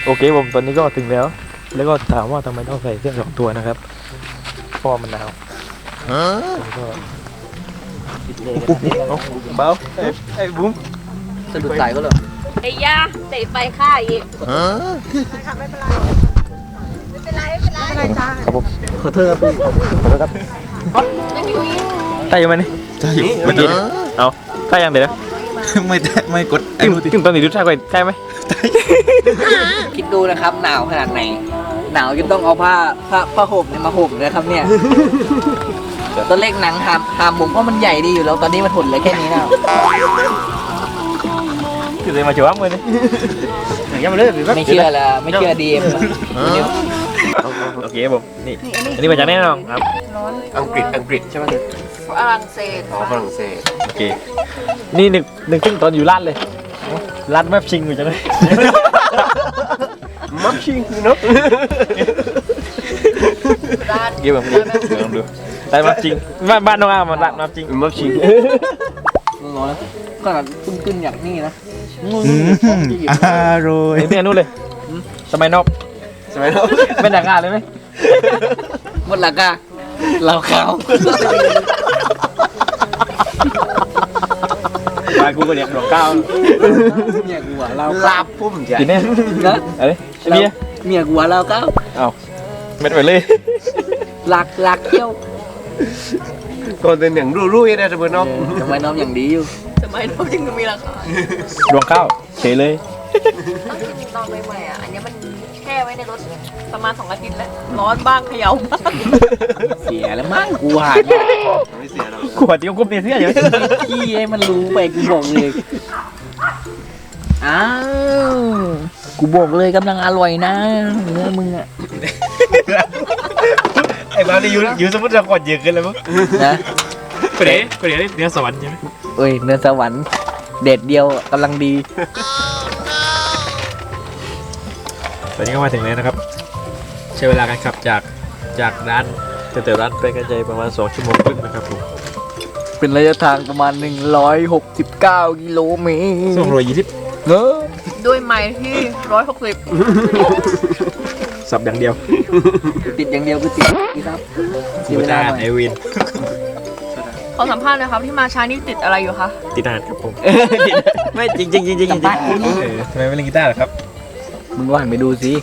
โอเคผมตอนนี้ก็ถึงแล้วก็ถามว่าทำไมต้องใส่เสื้อ2 ตัวนะครับเพราะมันหนาวก็เบาไอ้บุ้มสะดุดสายก็เหรอไอ้ยาเตะไฟฆ่าอีกไม่เป็นไรจ้าครับผมขอโทษครับพี่ขอโทษครับไม่มีวีใช่ไหมนี่ใช่เมื่อกี้เอาใช่ยังเดี๋ยวนะไม่กดถึงตอนนี้ดูใช่ไหมใช่ไหมคิดดูนะครับหนาวขนาดไหนหนาวจนต้องเอาผ้าห่มเนี่ยมาห่มนะครับเนี่ยตอนเล็กหนังหามผมเพราะมันใหญ่ดีอยู่แล้วตอนนี้มันหดเหลือแค่นี้แล้วคือเลยมาจั่วมือนี่ยังไม่เลิกหรือไม่เชื่อละไม่เชื่อดีเอ็มโอเคผมนี่อันนี้มาจากแน่นอนครับอังกฤษใช่ไหมฝรั่งเศสอ๋อฝรั่งเศสโอเคนี่นึกถึงตอนอยู่ร้านเลยร้านแมปชิงอยู่จังเลยมัฟชิงเนาะร้านเกี่ยวกับลองดูร้านแมปชิงบ้านน้องอามันร้านแมปชิงมัฟชิงร้อนขนาดขึ้นอย่างนี้นะอร่อยเห็นที่นู้นเลยสมัยนอกใช่ไหมเนาะเป็นหนังงานเลยไหมหมดหลักอะเราเขามากูก็เรียกดอกก้าวเมียกูหัวเราลาบพุ่มใหญ่กินแน่นะอะไรเบียร์เมียกูหัวเราเก้าเอาเม็ดไปเลยหลักเที่ยวก่อนเป็นอย่างรุ่ยๆนะสมมติเนาะทำไมน้องอย่างดีอยู่สมัยนู้นยังมีราคาดวงข้าวเฉยเลยต้องกินตอนใหม่ๆอ่ะอันนี้มันแช่ไว้ในรถประมาณ2 อาทิตย์แล้วร้อนบ้างเขย่าบ้างเสียแล้วมั้งกูหาไม่เสียหรอกขวดเดียวกุ๊บเนี่ยเสื้ออยู่ขี้ให้มันรู้ไปกูบอกเลยอ้าวกูบอกเลยกำลังอร่อยนะเนื้อมึงอะไอ้บ้านี่อยู่สมมติเราขวดเยอะเกินเลยมั้งนะกูเดี๋ยวเนื้อสวรรค์ใช่ไหมเอ้ยเนื้อสวรรค์เด็ดเดียวกำลังดีตอนนี้ก็มาถึงแล้วนะครับใช้เวลาการขับจากร้านแต่ร้านไปกันใจประมาณ2 ชั่วโมงครึ่งนะครับผมเป็นระยะทางประมาณ169กิโลเมตร 220 เนอะด้วยไม้ที่160 สับอย่างเดียวติดอย่างเดียวคือติดครับเสียกูเวจะลาอ่านหน่ไออยวินขอสัมภาษณ์หนะครับที่มาช้านี่ติดอะไรอยู่คะติดอ่านครับผมไม่จริงจริงจริงจริงสัมภาษณ์กูนี่ทำไมไม่เล่นกีตาร์ล่ะครับมึงว่างไปดูสิ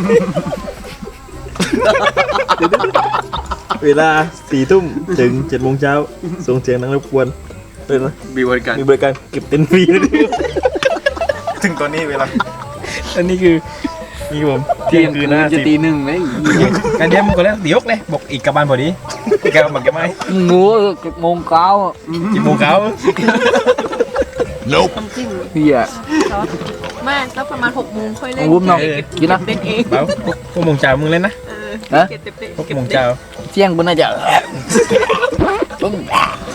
เวลา4 ทุ่มถึง7 โมงเช้าส่งเสียงดังรบกวนเลยนะมีบริการมีบริการเก็บเต็นท์ฟรีด้วยถึงตอนนี้เวลาอันนี้คือนี่ผมเที่ยงคืนนะจะตี1เลยกันเดียวมึงก็แล้วเดี๋ยวเลยบอกอีกกลับบ้านพอดีอีกกลับบ้านกันไหมงู7 โมงเช้ากี่โมงเขาน้ำจิ้มเฮียไม่แล้วประมาณ6 โมงค่อยเล่นวุ้มน้องกินนะเล่นเองเปล่าพวกโมงเช้ามึงเล่นนะฮะเก็บเต็มพวกโมงเช้าเที่ยงกูน่าจะปึ้ง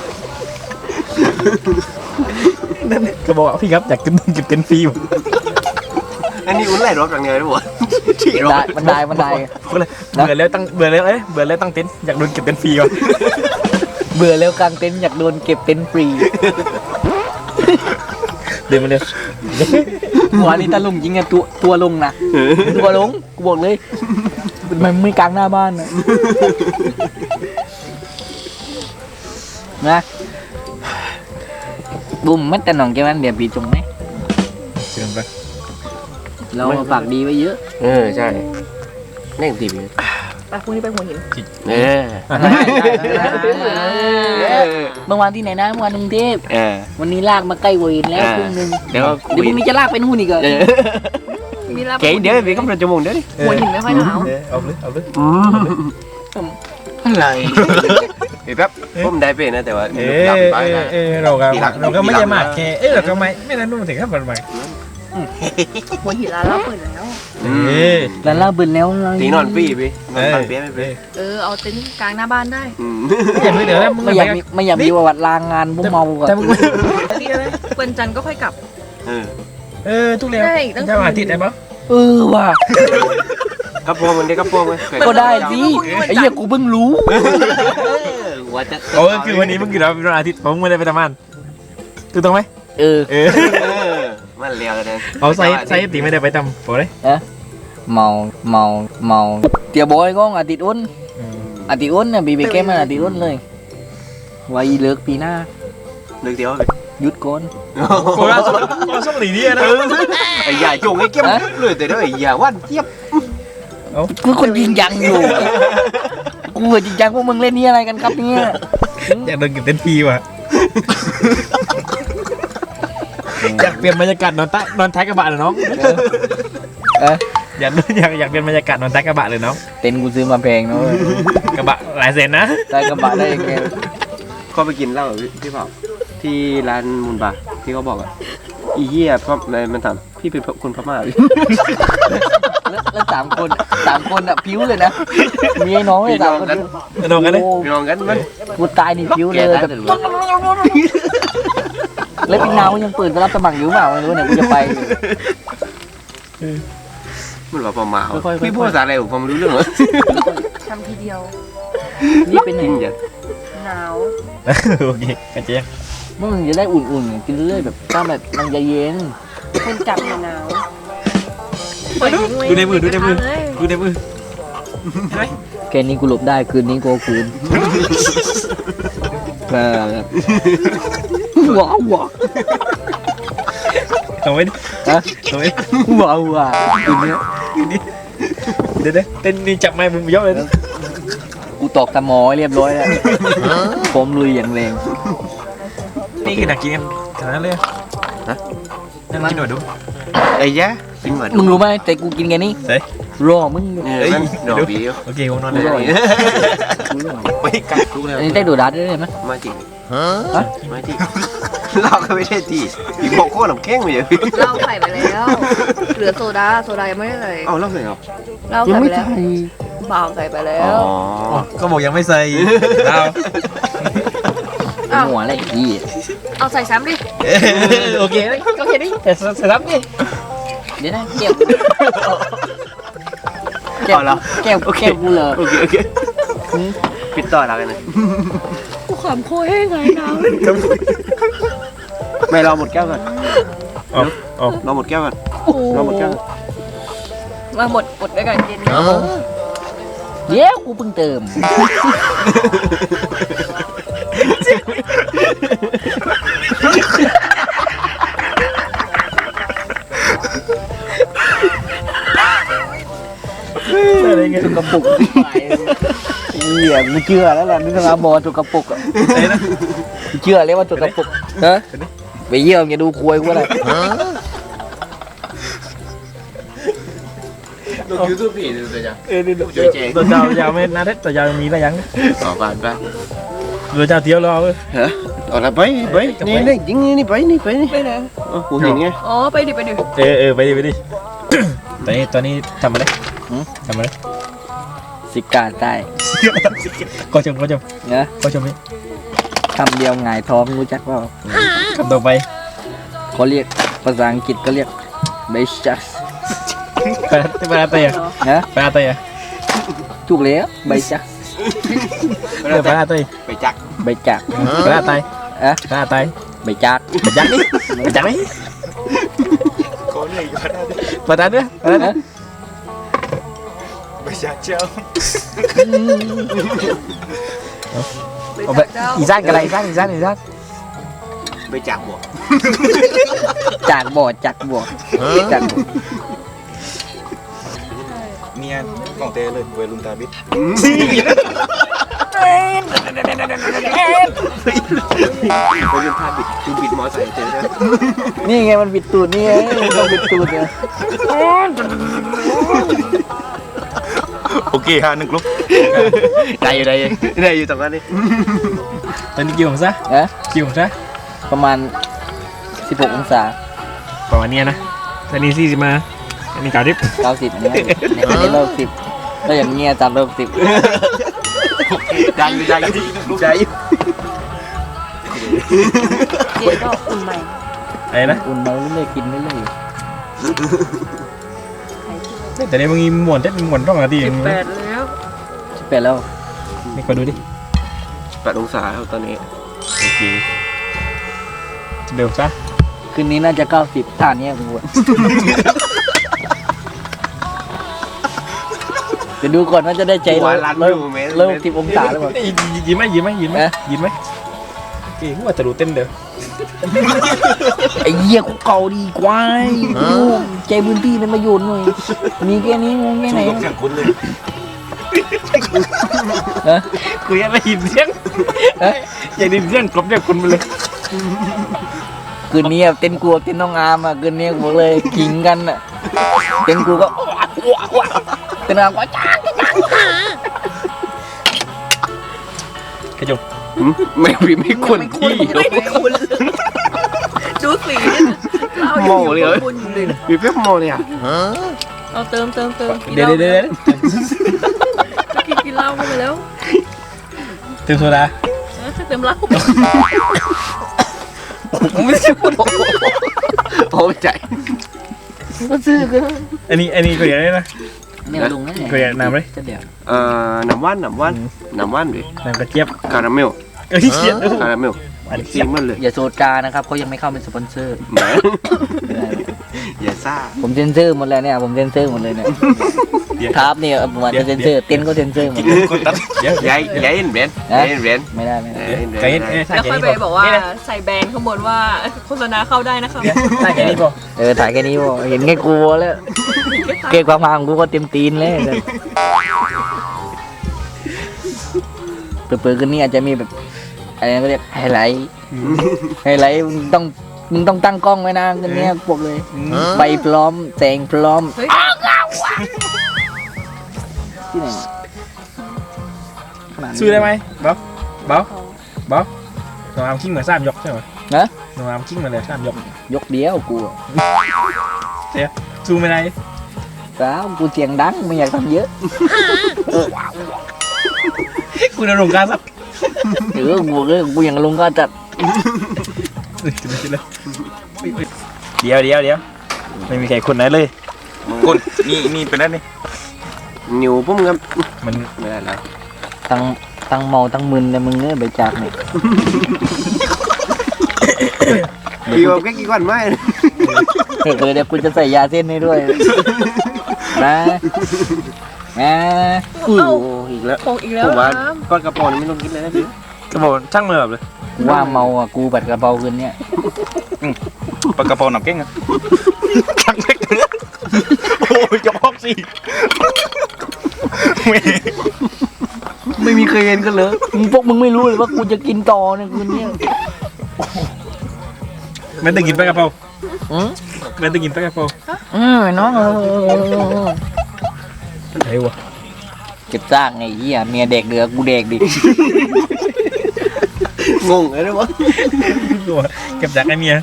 ก็บอกว่าพี่ครับอยากกินเก็บเต็นท์ฟรีอันนี้อุ่นไหลรอบอย่างเดียวได้หมดที่รได้อบมันได้ก็เลยเบื่อแล้วตั้งเบื่อแล้วตั้งเต็นท์อยากโดนเก็บเต็นท์ฟรีก่อนเบื่อแล้วกลางเต็นท์อยากโดนเก็บเต็นท์ฟรีเดินมาเร็วหัวนี่ตะลุงจริงอะตัวลงนะตัวลงกูบอกเลยมันไม่กลางหน้าบ้านนะนะบุ้มมันแต่หนองแกมันเดี๋ยวปีจงไหมเชิญไปเราฝากดีไว้เยอะใช่แน่งตีบไปพรุ่งนี้ไปหัวหินเมื่อวานที่ไหนนะเมื่อวานกรุงเทพวันนี้ลากมาใกล้เวรแล้วครึ่งนึงเดี๋ยวเดี๋ยวพรุ่งนี้จะลากไปนู่นอีกเหรอมีรับเก๋เดี๋ยวพี่ก็เป็นจมูกเดี๋ยวดิหัวหินไม่ค่อยหนาวเอาเลยอะไรพี่แป๊บผมได้เป็นนะแต่ว่าหลับไปนะเราก็ไม่ได้มากแค่เราก็ไม่ได้นู่นถึงขั้นประมาณหัวหินร้านเราเปิดแล้วแล้วลากเบิร์นแล้วตีนอนปี้พี่นอนฟังเปี้ยไม่เป็นเอาเต็นท์กลางหน้าบ้านได้อย่าเพิ่งเดี๋ยวนะมึงไม่อยากมีประวัติลางงานพวกเมาก่อนแต่มึงนี่อะไรเปิดจันทร์ก็ค่อยกลับทุกเร็วจะมาติดได้ปะว่ะกระโปรงมันได้กระโปรงไหมก็ได้สิไอ้เหี้ยกูเพิ่งรู้หัวจะคือวันนี้มึงกี่วันอาทิตย์ผมไม่ได้ไปทำงานถูกต้องไหมเออมันเลี้ยวเลยเอาไซตีไม่ได้ไปทำพอเลยเมาเตียบอยก็อาทิตย์อ้นอาทิตย์อ้นเนี่ยบีบีแก้มอาทิตย์อ้นเลยไว้เลิกปีหน้าเลือกเดียวหยุดก่อนโคราชส่งหลีนี่นะไอ้ใหญ่จงไอ้เก็บเลยแต่เด้อไอ้ใหญ่วันเจี๊ยบกูคนจริงจังอยู่กูจริงจังพวกมึงเล่นนี่อะไรกันครับเนี่ยอยากเดินกินเต็มทีว่ะอยากเปลี่ยนบรรยากาศนอนท้ายกระบะเลยน้องอยากเปลี่ยนบรรยากาศนอนท้ายกระบะเลยน้องเต็นท์กูซื้อมาแพงเนาะกระบะหลายแสนนะได้กระบะได้แค่ก็ไปกินเหล้าพี่เผาที่ร้านมูลบาร์ที่เขาบอกอ่ะอีเหี้ยเพราะมันถามพี่เป็นคนพม่าแล้วสามคนอ่ะผิวเลยนะมีไอ้น้องเลยสามคนน้องกันเลยพี่น้องกันมันกูตายนี่ผิวเลยแบบแล้วพี่นาวยังเปิดรับสมัครอยู่เปล่าไม่รู้เนี่ยกูจะไปมันว่าพม่าค่อยๆพี่พูดภาษาอะไรผมฟังไม่รู้เรื่องเหรอทำทีเดียวนี่เป็นไงกินอย่างหนาวโอเคกันเจ๊มึงจะได้อุ่นๆกินเรื่อยแบบถ้าแบบมันจะเย็นคนจับหนาวดูในมือดูในมือไหมแค่นี้กูหลบได้คืนนี้กูคืนว้าวว้าวเอาไว้ดิฮะเอาไว้ว้าวว้าวคืนนี้เดี๋ยวเต้นนี่จับไม้มึงยกเลยกูตอกตะมอให้เรียบร้อยแล้วผมลุยอย่างแรงนี่คือหนักกินกันขนาดนั้นเลยนั่งกินหน่อยดูไอ้ยะกินเหมือนมึงรู้ไหมแต่กูกินแค่นี้เฮ้ยรอมึงนั่นหน่อบีโอเคผมนอนเลยไม่กัดกูเลยอันนี้ได้ดูดัดได้ไหมมาจริงมาจริงเราก็ไม่ใช่ที่อีกบอกโคตรหนำแข้งไปเลยเหล้าใส่ไปแล้วเหลือโซดายังไม่ได้ใส่เอาเล่าเลยเหรอเหล้ายัใส่งไปไม่แล้วใช่เปล่าใส่ไปแล้อ๋วอก็บอกยังไม่ใส่เอาอ้าวหัวอะไรอีกเอาใส่ซ้ำดิโอเคก็แค่นี้แต่ใส่รับนี่เดี๋ยวนะแก้วเอาละแก้วกูเลยโอเคปิดต่อแล้วกันนะกูขำโคยให้ไงนะไม่รอหมดแก้วก่อนอ๋อรอหมดแก้วก่อนโอ้รอหมดแก้วมาหมดด้วยกันเย็นเดี๋ยวกูเพิ่งเติมอะไรเงี้ยกระปุกเหี้ยกูเชื่อแล้วล่ะนึกว่าบอลจุกกระปุกอ่ะไอ้นะกูเชื่อเลยว่าจุกกระปุกฮะไปเยี่ยมอย่าดูควยกูอะไรดูยูทูบพี่ดูเลยจ้ะนี่ตัวเจ้ายาวไม่น่าได้ตัวยาวมีอะไรยังต่อไปไปตัวเจ้าเที่ยวรอเว้ยฮะเอาละไปนี่ยิงนี่ไปนี่ไปนี่ไปไหนกูเห็นไงอ๋อไปดิไปดิตอนนี้ทำอะไรทำอะไรสิกาได้ก็ชมนะก็ชมนี่คำเดียวหงายท้องรู้จักเปล่าคำต่อไปเขาเรียกภาษาอังกฤษก็เรียก biceps ไปอาเตยนะไปอาเตยถูกแล้ว biceps ไปอาเตยไปจักใบจากไปอาเตยอะไปอาเตยใบจากไปจักนี่ไปจักนี่ไปตาเนี่ยนะอีสานกันอะไรอีสานไปจักบวกจากบ่อจากบ่อจากบ่อเนี่ยของเตเลยเวลุนตาบิดไปเล่นท่าบิดคือบิดมอไซค์เจอได้นี่ไงมันบิดตูดนี่ไงต้องบิดตูดเนี่ยโอเค1กลุ่มได้อยู่ตรงนั้นนี่ตอนนี้กี่องศานะกี่องศาประมาณ16องศาประมาณนี้นะตอนนี้40มาอันนี้90 90เนี่ยอันนี้เรา10แล้วอย่างเงี้ยตามเรา10 ได้อยู่เย็นก็อุ่นใหม่อะไรนะอุ่นมาเรื่อยๆกินเรื่อยแต่ในมึงมีหมวนเต้นหมวนต้องอะไรดี 18แล้วๆไปแล้วนี่ขอดูดิ 8 องศาครับตอนนี้โอเคเดี๋ยวซะคืนนี้น่าจะ90ท่าเนี้ยกูอะเดี๋ยวดูก่อนว่าจะได้ใจหัวรันเริ่มอยู่เมตรเริ่ม10 องศาแล้วมั้งยิ้มไหมยิ้มไหมยิ้มไหมยิ้มไหมเอ้ยว่าจะรู้เต้นเด้อไอ้เหี้ยกูเก่าดีกว่าใจพื้นที่เป็นประโยชน์หน่อยมีแค่นี้งงแค่ไหนสู้กับเสียงคุณเลยฮะกูยังได้ยินเสียงอยากได้ยินเสียงกลบจากคุณไปเลยคืนนี้เต้นกลัวเต้นน้องอามอ่ะคืนนี้บอกเลยขิงกันอ่ะเต้นกูก็เต้นน้องอามก็จ้างกระจกไม่มีไม่ควรที่ไม่คุ้นดูสีเราโม่เลยเหรอคุณอยู่เลยมีเป๊ปโมเลยอ่ะเอาเติมกินเดี๋ยวหล้าเดี๋ยวเดี๋ยวกินเหล้าเข้าไปแล้วเติมโซดาเติมเหล้าไม่ใช่พูดโอ้ใจก็ซื้อกันอันนี้ก็อย่างนี้นะเนี่ยลุงนั่นแหละก็อย่างน้ำเลยจะเดี๋ยวน้ำว่านดิน้ำกระเจี๊ยบคาราเมลเอ้ยเจี๊ยบคาราเมลอันนี้ซีเจี๊ยบมันเลยอย่าโซดานะครับเขายังไม่เข้าเป็นสปอนเซอร์แหมอย่าซ่าผมเซ็นเซอร์หมดแล้วเนี่ยผมเซ็นเซอร์หมดเลยเนี่ยเดี๋ยวครับเนี่ยผมอาจจะเซ็นเซอร์เต้นก็เซ็นเซอร์หมดเลยกดตัดเดี๋ยวย้ายเอ็นเบรนย้ายเอ็นเบรนไม่ได้ไม่ได้ไก่เนี่ยแล้วค่อยไปบอกว่าใส่แบรนด์ข้างบนว่าโฆษณาเข้าได้นะครับใช่แค่นี้พอถ่ายแค่นี้พอเห็นแค่กูแล้วเก่งความพางกูก็เต็มตีนเลยเปิดๆกันนี่อาจจะมีแบบอะไรก็เรียกไฮไลท์มึงต้องตั้งกล้องไว้นะกันเนี้ยบอกเลยใบพร้อมแสงพร้อมเฮ้ยที่ไหนขนาดนี้ซื้อได้ไหมเบ๊อบน้องอามกิ้งเหมือนสามยกใช่ไหมนะน้องอามกิ้งเหมือนเลยสามยกยกเดียวกูสู้ไม่ได้แล้วกูเสียงดังไม่อยากทำเยอะคุณอารมณ์การสับกูอย่างลุงก็จัดเดี๋ยวไม่มีใครคนไหนเลยคุณนี่เป็นนั่นนี่นิ้วปุ้มครับมันไม่ได้แล้วตั้งเมาตั้งมึนเลยมึงเนี่ยใบจากเนี่ยพี่บอกแค่กี่วันไม่เดี๋ยวกูจะใส่ยาเส้นให้ด้วยนะอีกแล้วคงอีกแล้ผวมว่านะก้อนกระป๋องนี่ไม่ต้องกินเลยนะพี่กระบอกช่างมือแบบเลยกูว่าเมาอ่ะกูบัดกระเป๋าคืนเนี่ยปลากระเพราหนักเก้งอะช่างเล็กโอ้ยจะพอกสิไม่มีเคยเห็นกันเลยพวกมึงไม่รู้เลยว่ากูจะกินต่อเนี่ยคืนนี้ไม่ต้องกินปลากระเพราอืมไม่ต้องกินปลากระเพราน้องไอ้วะเก็บซากไงเหี้ยเมียเด็กเดือกูเด็กดิงงเลยนะวะเก็บจากไอ้เมีย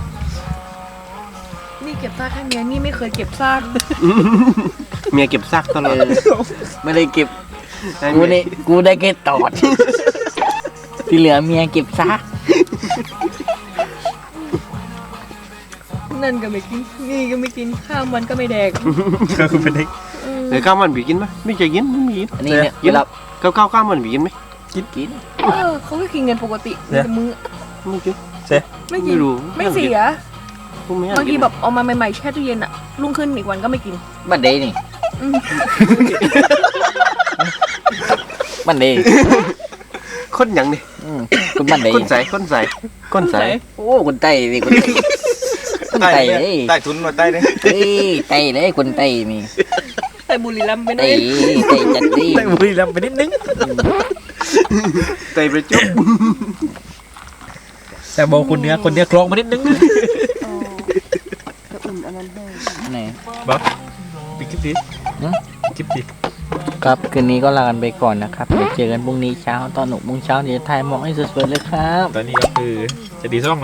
นี่เก็บซากให้เมียนี่ไม่เคยเก็บซากเมียเก็บซากตลอดไม่ได้เก็บกูได้แค่ตอด ที่เหลือเมียเก็บซากนั่นก็ไม่กินนี่ก็ไม่กินข้าวมันก็ไม่แดกก็คือเป็นเด็กเดี๋ยวข้าวมันบีกินไหมไม่เคยกินไม่มีกินอันนี้เนี่ยกินแล้วข้าวมันบีกินไหมกินเขาก็กินเงินปกติแต่มือไม่กินไม่กิไม่นรู้ไม่เสียผมไม่บางทีแบบเอามาใหม่ๆแช่ตู้เย็นอะรุ่งขึ้นอีกวันก็ไม่กินบันเดย์นี่อืมบันเดย์คนหยังนี่คุณบันเดย์คนใสโอ้คนไต้นี่คนไต้เลยใต้ทุนมาใต้เลยเฮ้ยไต้เลยคนไต้นี่แต่บุรีรัมย์ไปหน่ไต้อยไต้จัดดิแต่บุรีรัมย์ไปนิดนึงไตประจุบแต่บอกคนเนื้อคลองมานิดนึงไหนบอกปิดคลิปดิฮะคลิปดิครับคืนนี้ก็ลากันไปก่อนนะครับเดี๋ยวเจอกันพรุ่งนี้เช้าตอน6 โมงเช้าเดี๋ยวถ่ายหมอกให้สวยๆเลยครับตอนนี้ก็คือจะดีซ่องนะ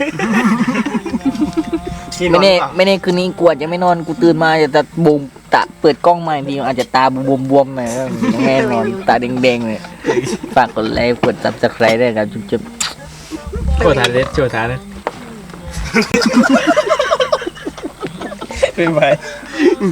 ไม่แน่คืนนี้กูอาจจะไม่นอนกูตื่นมาจะบูมตาเปิดกล้องมาอีกทีอาจจะตาบวมๆหน่อยยังแม่นอนตาแดงๆเลยฝากกดไลค์กด Subscribe ด้วยครับจุ๊บๆโชว์ฐานเลยเป็นไป